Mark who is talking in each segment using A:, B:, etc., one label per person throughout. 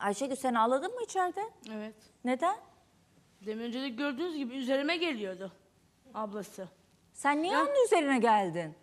A: Ayşegül sen ağladın mı içeride?
B: Evet.
A: Neden?
B: Demin önce de gördüğünüz gibi üzerime geliyordu ablası.
A: Sen niye onun üzerine geldin?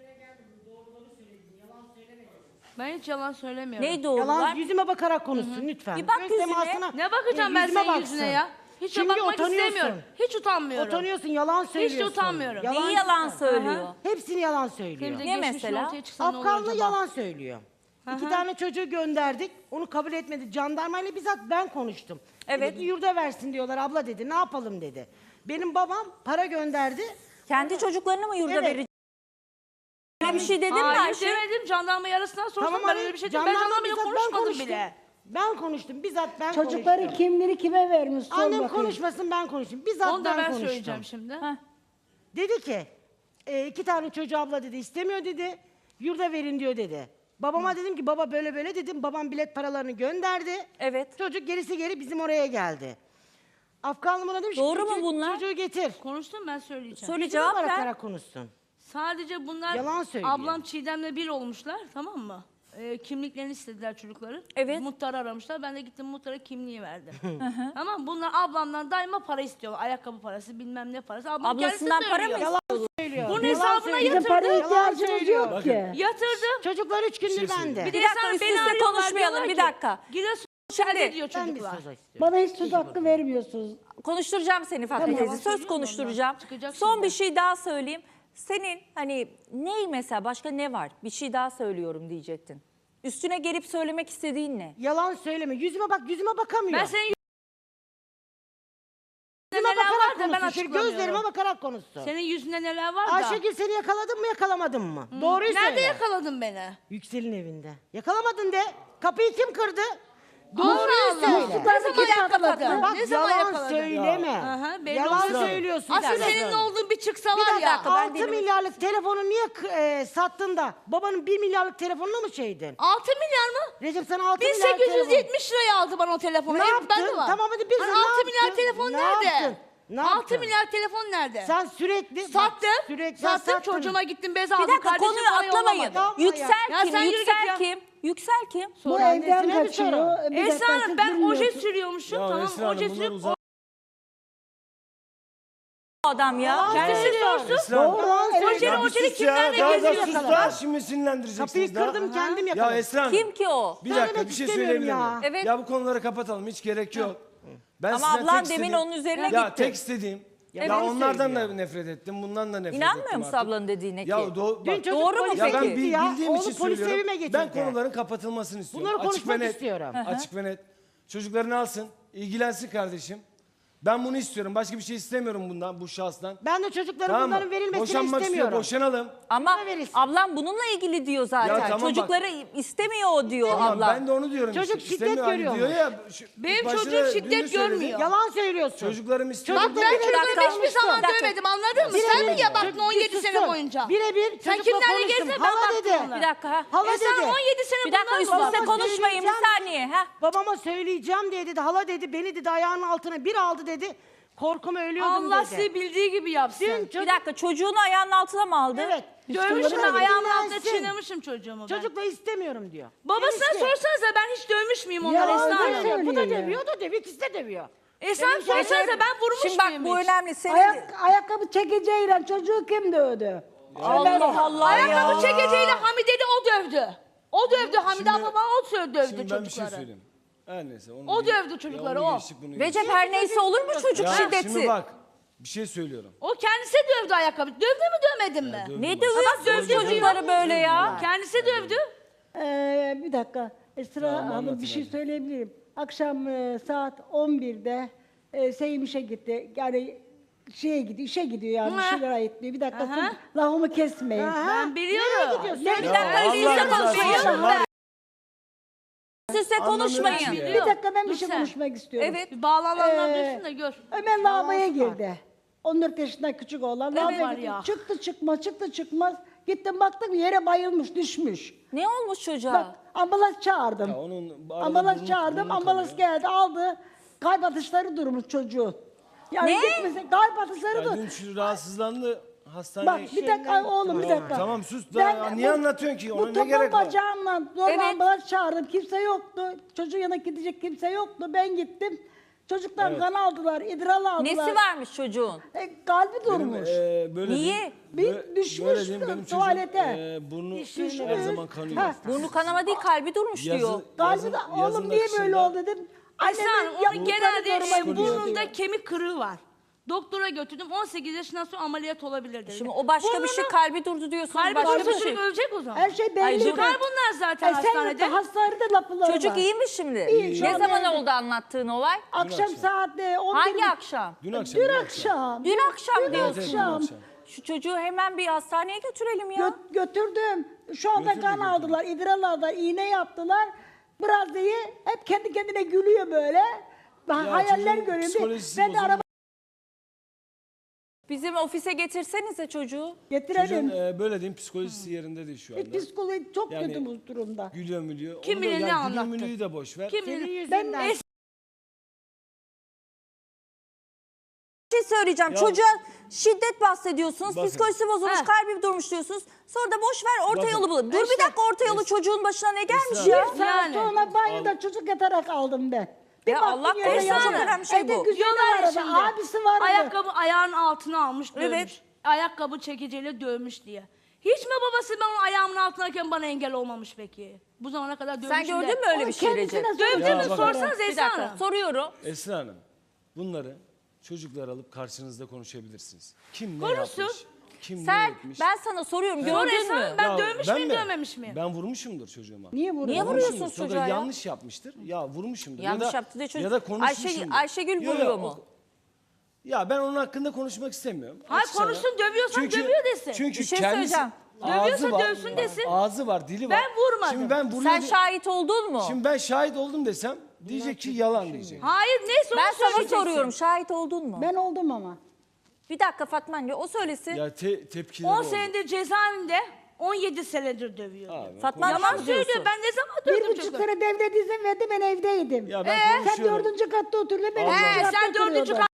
B: Ben hiç yalan söylemiyorum.
A: Neydi oğullar?
C: Yalan yüzüme bakarak konuşsun lütfen.
A: Bir bak
C: Göz
A: yüzüne.
C: temasına,
B: Ne bakacağım ben
C: yüzüme
B: senin
C: baksın.
B: yüzüne ya? Hiç
C: Çünkü
B: bakmak
C: utanıyorsun.
B: istemiyorum. Hiç utanmıyorum.
C: Utanıyorsun, yalan söylüyorsun.
B: utanmıyorum.
A: Neyi yalan söylüyor?
C: Hepsini yalan söylüyor.
B: Benim de
A: Ne
B: geçmişim
A: mesela?
B: ortaya çıksa ne olur
C: Afganlı
B: acaba?
C: yalan söylüyor. 2 tane çocuğu gönderdik. Onu kabul etmedi. Jandarmayla bizzat ben konuştum.
A: Evet.
C: Dedi ki yurda versin diyorlar abla dedi. Ne yapalım dedi. Benim babam para gönderdi.
A: Kendi çocuklarını mı yurda
C: Evet.
A: verecek? Öyle bir şey dedin mi
B: Hayır
A: Ayşe?
B: demedim. Jandarma yarısından sorsam ben
C: hani
B: öyle bir şey dedim. Ben jandarmayla
C: bizzat
B: konuşmadım bile.
C: Ben konuştum. Bizzat ben
D: Çocukların
C: konuştum.
D: kimleri kime vermiş sor
C: Annem
D: bakayım.
C: konuşmasın ben konuşayım. Bizzat
B: Onu da ben
C: konuştum.
B: söyleyeceğim şimdi.
A: Heh.
C: Dedi ki 2 tane çocuğu abla dedi istemiyor dedi. Yurda verin diyor dedi. Babama dedim ki baba böyle böyle dedim. Babam bilet paralarını gönderdi.
A: Evet.
C: Çocuk gerisi geri bizim oraya geldi. Afganlı bana demiş ki,
A: Doğru mu bunlar?
C: Çocuğu getir.
B: Konuştum ben söyleyeceğim.
A: Söyle
C: Cevap
A: cevap ver.
C: bakarak konuşsun.
B: Sadece bunlar
C: Yalan söylüyor.
B: ablam Çiğdem'le bir olmuşlar, tamam mı? Kimliklerini istediler çocukların.
A: Evet.
B: Muhtarı aramışlar. Ben de gittim muhtara kimliği verdim. Tamam, bunlar ablamdan daima para istiyorlar. Ayakkabı parası, bilmem ne parası. Ablam
A: Ablasından
B: kendisi
A: para mı
B: söylüyor.
C: Yalan söylüyor.
B: Bunun
C: Yalan
B: hesabına
C: söylüyor.
D: Bizim paraya
B: Yatırdı.
D: ihtiyacımız
C: söylüyor.
D: yok ki.
B: Yatırdım.
C: Çocuklar 3 gündür bende.
B: Bir
A: Bir
B: de
A: dakika,
B: sana
A: üst
B: beni
A: üste
B: arıyorlar,
A: konuşmayalım,
B: diyorlar
A: bir
B: ki,
A: dakika.
B: Giresun
A: Şimdi
B: ne diyor
C: Ben bir
B: çocuklar?
C: söz istiyorum.
D: Bana hiç söz hakkı vermiyorsunuz.
A: Konuşturacağım seni Fatma teyze.
B: Yalan
A: Söz
B: söylüyorum
A: konuşturacağım.
B: ondan. Çıkacak
A: Son
B: şimdi.
A: bir şey daha söyleyeyim. Senin hani ney mesela başka ne var? Bir şey daha söylüyorum diyecektin. Üstüne gelip söylemek istediğin ne?
C: Yalan söyleme. Yüzüme bak, yüzüme bakamıyor.
B: Ben senin
C: yüzüme
B: neler var
C: bakarak
B: da ben
C: konuşsun. Şöyle
B: açıklamıyorum.
C: gözlerime bakarak konuşsun.
B: Senin yüzünde neler var da.
C: Ayşegül seni yakaladım mı yakalamadın mı? Doğruyu söyle.
B: Nerede yakaladın beni?
C: Yüksel'in evinde. Yakalamadın de. Kapıyı kim kırdı?
B: Allah
C: Doğruyu
B: Allah.
C: söyle.
B: Ne zaman yakaladın?
C: Bak
B: Ne zaman
C: yalan
B: yakaladın?
C: söyleme.
B: Aha, belli
C: Yalan
B: olsun.
C: söylüyorsun.
B: Asıl
C: sen.
B: senin ne olduğun bir çıksa
C: Bir
B: var ya.
C: dakika, 6 milyarlık telefonu niye sattın da babanın 1 milyarlık telefonuna mı şeydin?
B: 6 milyar mı?
C: Recep sana 6 milyar telefon.
B: 1870 liraya aldı bana o telefonu.
C: Ne
B: Ev
C: yaptın?
B: bende var.
C: Tamam hadi biz
B: Hani
C: ne
B: 6 milyar
C: yaptın?
B: telefon
C: Ne
B: nerede?
C: yaptın? Ne
B: 6
C: yaptın?
B: milyar telefon nerede?
C: Sen sürekli...
B: Sattım.
C: Sürekli
B: Sattım,
C: sattın.
B: çocuğuma gittim bez
A: Bir
B: aldım.
A: dakika
B: Kardeşim
A: konuyu
B: bana
A: atlamayın.
B: yollamadı.
C: Yapma
A: Yüksel
B: ya.
A: kim?
B: Ya sen yürü
A: Yüksel
B: git ya.
A: kim? Yüksel kim?
D: Bu
C: annesine
D: evden
C: mi
D: kaçıyor.
C: sorun?
D: Bir dakika,
B: Esra Hanım
D: siz
B: ben oje
D: bilmiyorsunuz.
B: sürüyormuşum.
E: Ya
B: Tamam
E: Esra Hanım,
B: oje
E: bunlar
B: sürüp
E: uzak.
A: O adam ya.
B: kendisi sorsun.
E: Esra Hanım.
D: Doğru.
B: Ojeli
E: Ya bir
B: ojeli
E: sus ya.
B: kimlerle
E: Daha da
B: geziyor
E: sus
B: kadar.
E: da. Şimdi sinirlendireceksiniz
C: Kapıyı
E: daha.
C: kırdım kendim
E: Ya
C: yakaladım.
E: Esra Hanım.
A: Kim ki o?
E: Bir dakika
C: Söylemek
E: bir şey
C: istemiyorum
E: söyleyebilir
C: ya.
E: miyim?
A: Evet.
E: Ya bu konuları kapatalım, hiç gerek yok. Ben
A: Ama
E: sizden
A: ablan
E: tek
A: demin
E: istediğim-
A: onun üzerine
E: Ya
A: gitti.
E: tek istediğim.
A: Evet.
E: Ya onlardan
C: söylüyor.
E: da nefret ettim, bundan da nefret
A: İnanmıyor
E: ettim
A: musun
E: artık.
A: ablanın dediğine ki?
E: Ya
C: Dün
E: bak,
C: çocuk
A: Doğru mu
C: polise
E: ya ben
A: peki?
C: gitti ya.
E: bildiğim
C: Oğlu
E: için
C: polis evime
E: söylüyorum.
C: getirdi.
E: Ben konuların kapatılmasını istiyorum.
C: Bunları
E: Açık ve
C: konuşmak
E: net.
C: istiyorum.
E: Açık ve net. Çocuklarını alsın, ilgilensin kardeşim. Ben bunu istiyorum. Başka bir şey istemiyorum bundan, bu şahsdan.
C: Ben de çocukların
E: Tamam mı?
C: bunların verilmesini
E: Boşanmak
C: istemiyorum.
E: istiyor, boşanalım.
A: Ama
C: Buna verirsin.
A: ablam bununla ilgili diyor zaten.
E: Ya tamam bak.
A: Çocukları istemiyor o diyor
E: Tamam,
A: ablam.
E: ben de onu diyorum.
C: Çocuk
E: işte.
C: şiddet
E: İstemiyor, hani
C: görüyor
E: diyor
C: mu?
E: ya,
B: Benim
E: başta
B: çocuğum
E: da
B: şiddet
E: dün de söyledi.
B: görmüyor.
C: Yalan söylüyorsun.
E: Çocuklarım istiyor.
B: Bak ben
A: Bir dakika,
B: çocuklarımı hiçbir zaman
A: bir dakika.
B: dövmedim, anladın mı? Sen mi ya baktın 17 sene boyunca?
C: Birebir
B: Sen
C: çocukla
B: kimlerle
C: konuştum.
B: gezdin, ben
C: Hala
B: baktım
C: dedi.
B: ona.
A: Bir dakika ha.
C: Hala
B: Sen
C: dedi.
B: 17 sene
A: Bir dakika
B: bundan
A: üst
B: mı
A: üste
B: var?
A: konuşmayın bir
C: söyleyeceğim.
A: saniye. Ha.
C: Babama söyleyeceğim diye dedi. Hala dedi. Beni dedi ayağının altına bir aldı dedi. Korkuma ölüyordum
B: Allah
C: dedi.
B: sizi bildiği gibi yapsın.
C: Dün çocuk...
A: Bir dakika çocuğunu ayağının altına mı aldı?
C: Evet.
B: Dövmüşüm
C: Çocukları
B: ben, ayağımın altına
C: dinlensin.
B: çiğnemişim çocuğumu ben.
C: Çocukla istemiyorum diyor.
B: Babasına
C: Enişte.
B: sorsanıza ben hiç dövmüş müyüm onları
D: Ya,
B: Esra
D: öyle
B: Hanım?
D: söylüyor.
C: Bu da
D: ya.
C: dövüyor, o da dövüyor. İkisi de dövüyor.
B: Esra
C: Benim
B: sorsanıza
C: şeylerim-
B: ben vurmuş
A: Şimdi bak
B: muyum
A: bu
B: hiç?
A: önemli. Senin...
D: Ayakkabı çekeceğiyle çocuğu kim dövdü?
A: Allah Allah
B: Ayakkabı
A: ya.
B: çekeceğiyle Hamide'yi o dövdü. O dövdü Hamide
E: Şimdi-
B: abla, o dövdü
E: Şimdi ben bir şey
B: çocukları.
E: söyleyeyim. Her neyse. Onu
B: O
E: geç-
B: dövdü çocukları,
E: ya onu
B: o.
E: geçtik, bunu
A: Recep
E: geçtik.
A: her neyse olur mu çocuk
E: Ya
A: şiddeti?
E: şimdi bak bir şey söylüyorum.
B: O kendisi dövdü ayakkabı. Dövdü mü dövmedin mi?
E: dövdüm.
A: Ne
E: Bak,
A: dövüyorsun
B: dövdü
A: çocukları böyle ya?
B: Kendisi dövdü.
D: Bir dakika. Esra Hanım
E: anlatın
D: bir şey
E: hadi.
D: söyleyebilirim. Akşam saat 11'de Seyim işe gitti. Yani şeye gidiyor, işe gidiyor yani bir
B: Hı.
D: şeyler ayıtlıyor. Bir dakika
B: Aha.
D: sus, lafımı kesmeyin.
B: Ben biliyorum.
C: Nereye gidiyorsun?
A: Bir
E: Ya
A: dakika üst
E: Allah
A: üste
E: rızası için
A: konuşmayın.
E: var ya,
A: Üst üste
E: Anlamıyorum
A: konuşmayın.
E: ki ya.
D: Bir dakika ben bir
B: Dur
D: şey
B: sen.
D: konuşmak istiyorum.
A: Evet.
B: Bir bağlananlar
D: Ee,
B: dursun da gör.
D: Ömer lavaboya
C: var.
D: girdi. 14 yaşında küçük oğlan. lavaboya
B: var
D: gitti.
B: ya.
D: Çıktı çıkmaz. Gittim baktım yere bayılmış düşmüş.
A: Ne olmuş çocuğa?
D: Bak ambulans çağırdım.
E: Ya onun arada
D: Ambulans
E: burnu-
D: çağırdım.
E: burnu
D: Ambulans
E: kanıyor.
D: geldi aldı. Kalp atışları durmuş çocuğun. Yani
A: Ne?
D: gitmese kalp atışları
E: Ya
D: dur.
E: dün şu rahatsızlandı. hastaneye...
D: Bak bir dakika oğlum bir dakika.
E: Tamam sus.
D: Ben
E: Niye
D: bu-
E: anlatıyorsun ki? Ona
D: Bu
E: ne
D: topal
E: gerek var?
D: bacağımla zorla
A: Evet.
D: ambulans çağırdım. Kimse yoktu. Çocuğun yanına gidecek kimse yoktu. Ben gittim. Çocuklar kan aldılar, idrar aldılar.
A: Nesi varmış çocuğun?
D: Kalbi
E: Benim,
D: durmuş.
E: böyle
A: Niye?
E: diyeyim,
D: Bir
E: böyle
D: düşmüş
E: diyeyim, benim çocuğum,
D: tuvalete.
E: burnu
D: Düşmüş.
E: her zaman kanıyor.
D: Ha.
A: Burnu kanama değil kalbi durmuş
E: Yazı-
A: diyor.
D: Kalbi de oğlum niye böyle oldu dedim.
B: Esra Hanım onun
D: yaptıkları
B: genelde
D: zoruma gidiyor
B: burnunda
D: diyor.
B: kemik kırığı var. Doktora götürdüm 18 yaşından sonra ameliyat olabilir dedi.
A: Şimdi o başka bir şey,
B: Burnunu-
A: kalbi durdu diyorsunuz,
B: Kalbi
A: başka
B: başka
A: bir şey.
B: ölecek o zaman.
D: Her şey belli.
A: Ay, dur.
B: Çıkar bunlar zaten hastanede.
D: Sen hastanede lafları
A: Çocuk
D: var.
A: iyi mi şimdi?
D: İyi, şu
A: Ne
D: an
A: zaman
D: evde.
A: oldu anlattığın olay?
D: Akşam saat 11.
A: Hangi akşam?
E: Dün akşam.
D: Dün akşam.
A: Dün akşam
D: Dün
A: diyorsun.
D: akşam.
A: Şu çocuğu hemen bir hastaneye götürelim ya.
D: Götürdüm. Şu anda kan aldılar, idrar aldılar, iğne yaptılar. Biraz iyi. Hep kendi kendine gülüyor böyle. Hayaller
E: çocuğun
D: görüyor.
E: psikolojisi
D: Ben de
E: bozulmuş.
D: araba
A: Bizim ofise getirsenize çocuğu.
D: getirelim.
E: Çocuğun böyle diyeyim psikolojisi yerinde değil şu anda.
D: Psikoloji çok
E: Yani-
D: kötü bu durumda.
E: Gülüyor mülüyor.
B: Kim
E: Onu da-
B: bilir ne
E: yani
B: anlattı?
E: gülüyor mülüyü de boş ver.
B: Kim
C: Senin
B: bilir?
C: yüzünden.
D: Ben
A: Bir şey söyleyeceğim.
E: Ya-
A: Çocuğa şiddet bahsediyorsunuz.
E: Bakın.
A: Psikolojisi bozulmuş,
B: Ha.
A: kalbi durmuş diyorsunuz. Sonra da boş ver orta
E: Bakın.
A: yolu bulun. Dur bir dakika, orta yolu çocuğun başına ne gelmiş ya?
E: Esra-
D: saat
B: Yani.
D: sonra banyoda çocuk yatarak aldım ben. Bir
A: Ya
D: baktım
A: Allah
D: yere
A: korusun,
D: yatıyor.
A: çok önemli şey
D: Evde
A: bu.
D: güzeli
B: Diyorlar ya
D: vardı,
B: şimdi,
D: abisi vardı.
B: ayakkabı ayağının altına almış dövmüş.
A: Evet.
B: Ayakkabı çekiciyle dövmüş diye. Hiç mi babası ben onun ayağımın altındayken bana engel olmamış peki? Bu zamana kadar dövmüş
A: Sen gördün mü öyle bir şey Recep?
B: Dövdü
E: Ya
B: mü
E: bakın.
B: sorsanız
A: Bir
B: Esra
A: dakika
B: Hanım.
A: soruyorum.
E: Esra Hanım, bunları çocuklar alıp karşınızda konuşabilirsiniz. Kim ne
B: Konuşsun.
E: yapmış? Kim ne
A: Sen,
E: etmiş?
A: ben sana soruyorum,
B: Sor
A: gördün
B: Esra
A: mü?
B: Hanım, ben
E: Ya
B: dövmüş
E: ben
B: müyüm
E: mi?
B: dövmemiş miyim?
E: Ben vurmuşumdur çocuğuma.
D: Niye vuruyor?
A: Niye vuruyorsunuz
E: Vurmuşumdur. Sonra
A: çocuğa ya?
E: yanlış yapmıştır. Ya vurmuşumdur.
A: Yanlış
E: ya da,
A: yaptı diye çocuk.
E: Ya da konuşmuşumdur.
A: Ayşegül
E: Yo, yo,
A: vuruyor mu?
E: Ya ben onun hakkında konuşmak istemiyorum.
B: Hayır,
E: Açık sana.
B: konuşsun, dövüyorsan dövüyor desin.
E: Çünkü
A: Bir şey
E: kendisi
A: söyleyeceğim.
E: ağzı
B: Dövüyorsa
E: var.
B: dövsün desin.
E: Ağzı var, dili var.
B: Ben vurmadım.
E: Şimdi ben vuruyor
A: Sen
E: diye-
A: şahit oldun mu?
E: Şimdi ben şahit oldum desem diyecek ki yalan diyecek.
B: Hayır neyse onu
A: Ben sana
B: söyleyeceksin.
A: soruyorum, şahit oldun mu?
D: Ben oldum ama.
A: Bir dakika Fatma anne, o söylesin.
E: Ya tepkileri
B: 10
E: oldu.
B: senedir cezaevinde 17 senedir dövüyor.
E: Abi,
A: Fatma
E: konuş-
A: Yalan
B: Yalan
A: diyorsun.
B: söylüyor. Ben ne zaman
D: 1,5
B: dövdüm çocuğu?
D: sene devlet izin verdi ben evdeydim.
E: Ya ben
D: Sen
E: konuşuyorum.
D: 4. katta oturdun ben
E: Allah
D: 3.
E: Allah.
D: katta
B: Sen 4.
D: oturuyordum.
B: kat...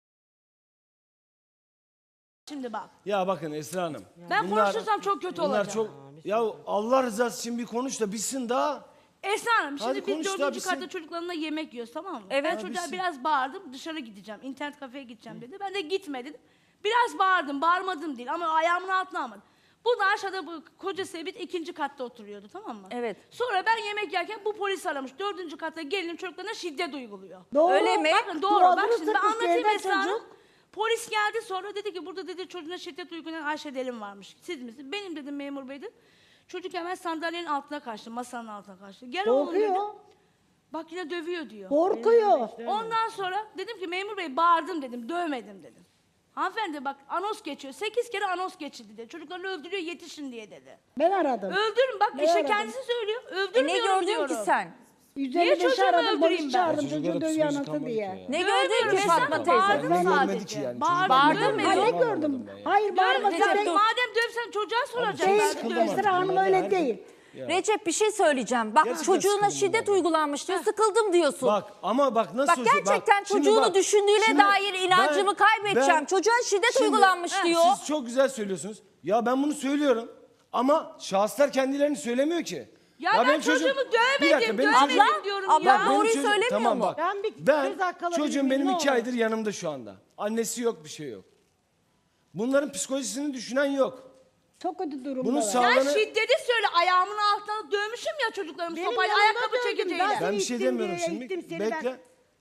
B: Şimdi bak.
E: Ya bakın Esra Hanım.
B: Ben konuşursam çok kötü
E: bunlar
B: olacak.
E: çok. Ya Allah rızası için bir konuş da bitsin daha.
B: Esra Hanım
E: Hadi
B: şimdi biz
E: konuş da
B: 4.
E: bitsin.
B: katta çocuklarımla yemek yiyoruz tamam mı?
A: Evet.
B: Ben
A: Ha,
B: çocuğa
E: bitsin.
B: biraz bağırdım dışarı gideceğim. İnternet kafeye gideceğim dedi. Ben de gitme dedim. Biraz bağırdım bağırmadım değil ama ayağımın altına almadım. Bu da aşağıda bu koca Sebit 2. katta oturuyordu tamam mı?
A: Evet.
B: Sonra ben yemek yerken bu polis aramış. 4. katta gelinim çocuklarına şiddet uyguluyor.
D: Doğru.
A: Öyle mi?
B: Bakın doğru bak
D: Boğazını
B: şimdi ben
D: sıkmış
B: anlatayım
D: yerden
B: Esra Hanım.
D: çocuk.
B: Polis geldi sonra dedi ki burada dedi çocuğuna şiddet uygulayan Ayşe Delim varmış. Siz misiniz? Benim dedim memur bey dedim. Çocuk hemen sandalyenin altına kaçtı, masanın altına kaçtı. Gel oğlum dedim.
D: Korkuyor.
B: Bak yine dövüyor diyor.
D: Korkuyor.
B: Ondan sonra dedim ki memur bey bağırdım dedim, dövmedim dedim. Hanımefendi bak anons geçiyor. 8 kere anons geçildi dedi. Çocuklarını öldürüyor yetişin diye dedi.
D: Ben aradım.
B: Öldürün bak
D: Ne
B: işe
D: aradın?
B: kendisi söylüyor.
A: E
B: Öldürmüyorum
A: ne gördün
B: diyorum.
A: ki sen?
D: 155
B: çocuğumu
D: aradım,
B: öldüreyim
D: polis
B: ben?
D: çağırdım
E: Çocuklara
D: çocuğu dövüyor
E: psikolojik
D: anası
E: kalmadı
D: diye.
E: ki
A: Ne
B: Dövmüyorum
A: gördün ki
B: Esra
A: Fatma
B: Hanım,
A: teyze?
B: bağırdım
E: Ben görmedik
B: sadece.
E: ki yani.
B: Bağırdım,
A: Bağırdın mı?
B: dövmedim.
D: Ha, ne
E: Anlamadım
D: gördüm?
E: ben ya.
D: Hayır bağırma
A: Recep,
D: sen.
A: dur.
B: Madem dövsen çocuğa soracağım.
D: Değil,
B: Ben de
E: sıkıldım
B: dövmedim.
E: artık.
D: Esra Hanım
E: Bunlar
D: öyle
E: her-
D: değil.
A: Recep bir şey söyleyeceğim. Bak
E: Gerçekten
A: çocuğuna
E: sıkıldım
A: şiddet
E: bunlardan.
A: uygulamış diyor. Sıkıldım diyorsun.
E: Bak ama bak nasıl
A: Bak
E: söylüyor,
A: gerçekten
E: şimdi
A: çocuğunu
E: bak,
A: düşündüğüne
E: şimdi
A: dair inancımı kaybedeceğim. Çocuğa şiddet
E: şimdi-
A: uygulanmış diyor.
E: Siz çok güzel söylüyorsunuz. Ya ben bunu söylüyorum ama şahıslar kendilerini söylemiyor ki.
B: Ya ben
E: benim
B: çocuğumu dövmedim,
E: Bir dakika, benim
B: dövmedim
E: çocuğum-
B: diyorum
A: abla
B: ya.
E: Benim
A: doğruyu
E: çocuğum-
A: söylemiyor
E: tamam,
A: mu?
E: Bak,
C: Ben bir
E: ben
C: söz hakkı alabilir
E: çocuğum
C: miyim?
E: benim
C: Ne
E: 2
C: olur?
E: aydır yanımda şu anda. Annesi yok, bir şey yok. Bunların psikolojisini düşünen yok.
D: Çok kötü durumda.
E: Bunun
D: var.
E: sağ-
B: Sen
E: Sağlığını-
B: şiddeti söyle ayağımın altına dövmüşüm ya çocuklarımı
C: Benim
B: sopayla
C: yanımda
B: ayakkabı
C: dövdüm,
B: çekeceğiyle.
C: ben-
E: Ben bir şey
C: ittim
E: demiyorum
C: diye,
E: şimdi.
C: ittim seni
E: Bekle.
C: ben.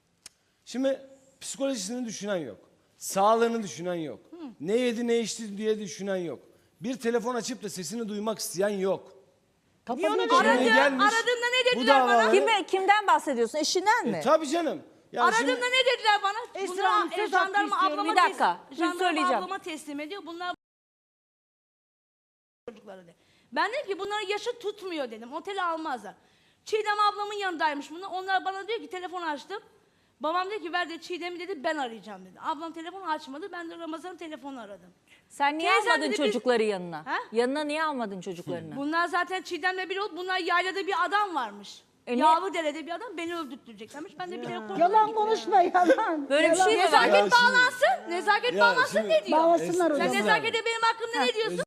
E: Şimdi psikolojisini düşünen yok. Sağlığını düşünen yok. Ne yedi ne içti diye düşünen yok. Bir telefon açıp da sesini duymak isteyen yok.
C: Niye ona
E: Şimdi
B: Aradı,
E: gelmiş,
B: aradığında ne
E: bu
B: dediler bana?
E: davaları-
A: Kimden bahsediyorsun? Eşinden mi?
E: Tabii canım. Ya
B: Aradığında
E: şimdi-
B: ne dediler bana?
C: Esra
B: Bunlar
C: Hanım, söz hakkı
B: jandarma
C: istiyorum.
B: ablama
A: Bir dakika, bir
B: jandarma
A: söyleyeceğim.
B: ablama teslim ediyor. Bunlar çocukları de. Ben dedim ki bunların yaşı tutmuyor dedim. Otele almazlar. Çiğdem ablamın yanındaymış bunlar. Onlar bana diyor ki telefon açtım. Babam dedi ki ver de Çiğdem'i dedi ben arayacağım dedi. Ablam telefonu açmadı. Ben de Ramazan'ın telefonunu aradım.
A: Sen niye
B: Teyzem
A: almadın
B: dedi, biz-
A: çocukları yanına?
B: Ha?
A: Yanına niye almadın çocuklarını?
B: Bunlar zaten Çiğdem'le biri oldu. Bunlar yaylada bir adam varmış. Yağlıdere'de bir adam beni öldürteceklermiş. Ben de bilerek korktum.
D: Yalan konuşma yalan.
A: Böyle bir
D: Yalan.
A: şey mi var?
B: Nezaket
E: Ya şimdi-
B: bağlansın. Nezaket
E: Ya
B: bağlansın
E: şimdi-
B: ne diyor?
D: Bağlasınlar o
B: Sen
D: zaman.
B: nezakete benim hakkımda ne diyorsun?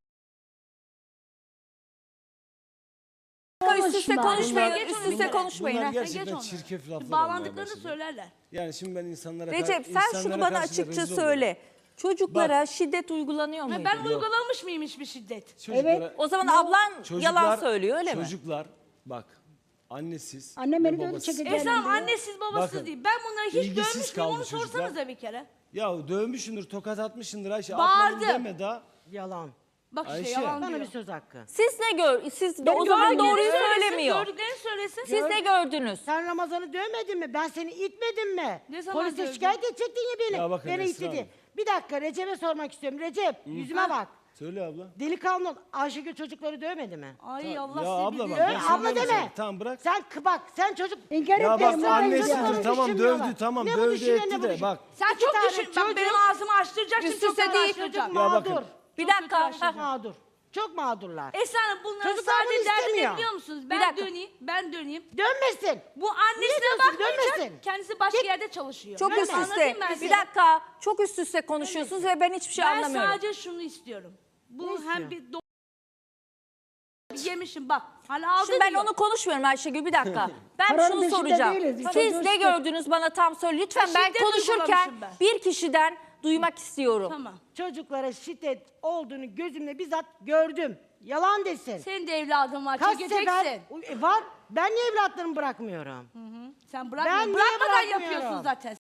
A: Üst üste
D: Konuşma.
A: konuşmayın,
B: Geç
A: üst
B: onu
A: üste
B: bir
A: konuşmayın.
E: Bunlar
A: ha.
E: gerçekten
B: Geç onları.
E: çirkef laflar
B: Bağlandıklarını
E: olmaya başladı.
B: söylerler.
E: Yani şimdi ben insanlara
A: Recep sen
E: insanlara
A: şunu bana
E: karşı da
A: açıkça
E: rezil
A: söyle. Çocuklara
E: Bak.
A: şiddet uygulanıyor
B: Ha,
A: muydu?
B: ben uygulamış mıyım hiçbir şiddet?
E: oluyorum. Çocuklara-
D: Evet.
A: O zaman ablan yalan söylüyor öyle mi?
E: Çocuklar bak annesiz
D: Annem
E: ve
D: beni de öyle
E: babasız.
D: çekecek.
B: Esra Hanım annesiz babasız
E: Bakın,
B: değil. Ben bunları hiç
E: ilgisiz
B: görmüş müyüm
E: kaldı
B: onu
E: çocuklar.
B: sorsanıza bir kere.
E: Ya dövmüşsündür, tokat atmışsındır Ayşe.
B: Bağırdı.
E: Atmadın deme daha.
C: Yalan.
B: Bak işte
E: Ayşe.
B: yalan
C: Bana
B: diyor.
C: bir söz hakkı.
A: Siz ne siz
D: Ben
A: o zaman
D: gördüklerini
A: doğruyu
B: Söylesin,
A: söylemiyor.
B: Gördüklerini söylesin.
A: Siz ne gördünüz?
C: Sen Ramazan'ı dövmedin mi? Ben seni itmedim mi?
B: Ne zaman
C: Polise
B: dövdün?
C: şikayet edecektin ya beni.
E: Ya bakın
C: beni
E: Esra
C: istedi.
E: Hanım.
C: Bir dakika Recep'e sormak istiyorum. Recep yüzüme bak.
E: Söyle abla.
C: Delikanlı ol. Ayşegül çocukları dövmedi mi?
B: Ay
E: Ya
B: Allah
E: abla
B: seni
E: bak,
B: bilir.
E: ben
C: Öyle
E: sana
C: abla
E: demiyorum
C: deme.
E: sana. Tamam bırak.
C: Sen bak sen çocuk...
D: İnkar
E: Ya bak
D: etmiyorum.
E: annesidir
C: çocukları
E: tamam
C: düşünmüyorlar.
E: dövdü tamam
C: Ne bu
E: dövdü
C: düşünüyor,
E: etti
C: ne bu
E: de
C: düşün-
E: bak.
B: Sen
C: İki
B: çok
C: tane
B: düşün. Bak
C: çocuk-
B: benim ağzımı açtıracaksın.
A: Üst
B: çok
A: üste
B: fena
A: değil.
B: açtıracağım.
C: Çocuk
E: Ya bakın.
C: mağdur.
A: Bir
B: Çok
A: dakika.
B: kötü
C: Çok mağdur. Çok mağdurlar.
B: Esra Hanım bunların
C: Çocuklar bunu
B: sadece derdi ne
C: istemiyor.
B: biliyor musunuz?
A: Bir
B: Ben
A: dakika.
B: döneyim.
C: Dönmesin.
B: Bu annesine
C: diyorsun,
B: bakmayacak.
C: dönmesin.
B: Kendisi başka yerde çalışıyor.
A: Çok
B: Ben
A: üst üste.
B: anlatayım ben
A: Bir
B: size.
A: dakika. Çok üst üste konuşuyorsunuz ve ben hiçbir şey
B: Ben
A: anlamıyorum.
B: sadece şunu istiyorum. Bu
C: Ne
B: hem
C: istiyor?
B: bir yemişim bak. Hala aldı
A: Şimdi ben
B: diyor.
A: onu konuşmuyorum Ayşegül bir dakika. Ben
D: Paranın
A: şunu
D: peşinde
A: soracağım.
D: değiliz. Bir
A: Siz
D: çocuğu
A: ne
D: işte-
A: gördünüz bana tam söyle. Lütfen ben
B: şiddet
A: konuşurken
B: uygulamışım ben.
A: bir kişiden duymak istiyorum.
B: Tamam.
C: Çocuklara şiddet olduğunu gözümle bizzat gördüm. Yalan desin.
B: Senin de evladın var.
C: Kaç
B: Çekeceksin.
C: sefer var. Ben niye evlatlarımı bırakmıyorum?
B: Sen
C: Ben
B: bırakma.
C: niye
B: Bırakmadan
C: bırakmıyorum?
B: yapıyorsun zaten